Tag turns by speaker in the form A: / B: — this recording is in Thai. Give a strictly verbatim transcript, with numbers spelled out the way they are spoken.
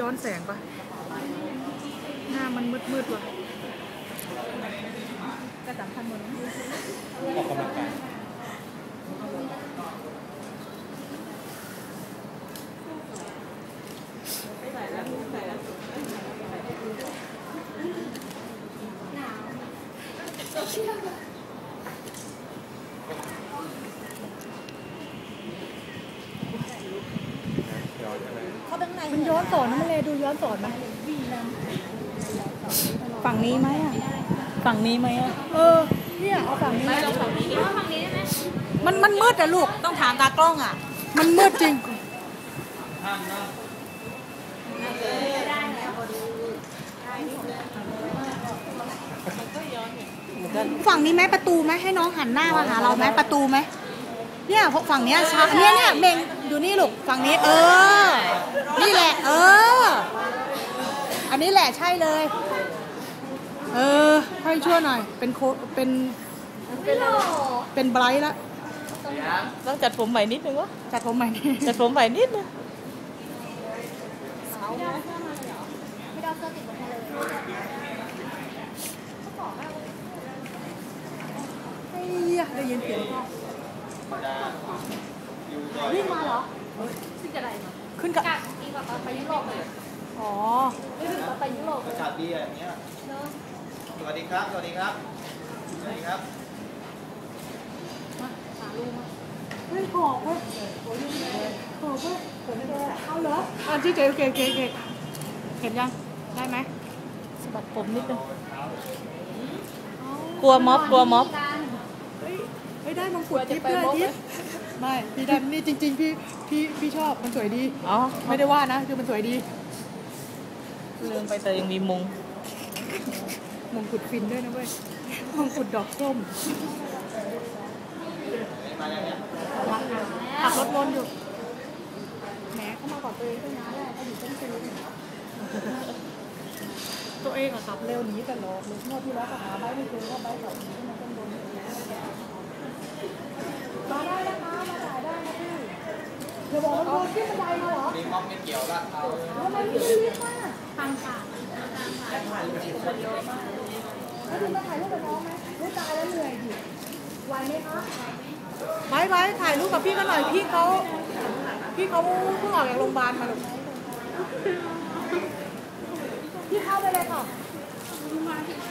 A: อนแสงปะหน้ามันมืดมืดว่ะกระจับพันหมด
B: ออกกำลังกาย
A: มันย้อนสอนนะมันเลยดูย้อนสอนไหมฝั่งนี้ไหมอ่ะฝั่งนี้ไหมอ่ะเออเนี่ยเอาฝั่งนี้ไหมเอาฝั่งนี้เอาฝั่งนี้ได้ไหมมันมันมืดอะลูกต้องถามตากล้องอ่ะมันมืดจริงฝั่งนี้ไหมประตูไหมให้น้องหันหน้ามาหาเราไหมประตูไหมเนี่ยฝั่งเนี้ยชาเนี่ยเนี่ยเมงดูนี่ลูกฝั่งนี้เออนี่แหละเอออันนี้แหละใช่เลยเออให้ช่วยหน่อยเป็นโคเป็นเป็นไบรท์ละ
C: ต้องจัดผมใหม่นิดนึงวะ
A: จัดผมใหม่
C: จัดผมใหม่นิดนึง
D: ไม่ได้เสื้อติดบนทะเล
A: เฮ้ยได้ยินเสียงพ่อ
D: วิ่งมาเหรอขึ้นกระไดมา
A: ขึ้นกับ
D: อีกแบบไปยุโรปเลย
A: อ๋อ
D: ไม่ถึงไปยุโรป
B: อากาศดีอย่างเงี้ยสวัสดีครับสวัสดีครับสวัสดีครับ
A: มาหาลูกมาเฮ้ยหอบเว้ยหอบเว้ยหอบเว้ยเอาเหรออ่ะที่เก๋เก๋เก๋เก๋เห็นยังได้ไหม
C: สะบัดผมนิดนึงกลัวม็อบกลัวม็อบ
A: เฮ้ยไม่ได้มงกุฎทิพย์ด้วยทิพย์ไม่พี่ได้นี่จริงๆพี่พี่พี่ชอบมันสวยดี
C: อ๋อ
A: ไม่ได้ว่านะคือมันสวยดี
C: ลืมไปแต่ยังมีมง
A: มงกุฎฟินด้วยนะเว้ยมงกุฎดอกส้มขับรถวนอยู่แหมเข้ามาก่อนตัวเองตั้งนานแล้วอยู่ต้นตีตัวเองอะขับเร็วหนีตลอดเลยงวดที่แล้วก็หาใบไม่เจอว่าใบเก่าหนีขึ้นมาต้นบนมาได้นะคะมาจ่ายได้นะพี่เดี๋ยวบอกว่าโดนขึ้นบันไดมาเหรอ
B: มีม็อบไม่เกี่ยวละเอา
A: ทำไมไม่รีบมาทางค่ะแล้วถึงมาถ่ายรูปกับน้องไหมไม่ตายแล้วเหนื่อยดิไหวไหมคะไว้ไว้ถ่ายรูปกับพี่กันหน่อยพี่เขาพี่เขาเพิ่งออกจากโรงพยาบาลมาหรอพี่เข้าไปเลยค่ะ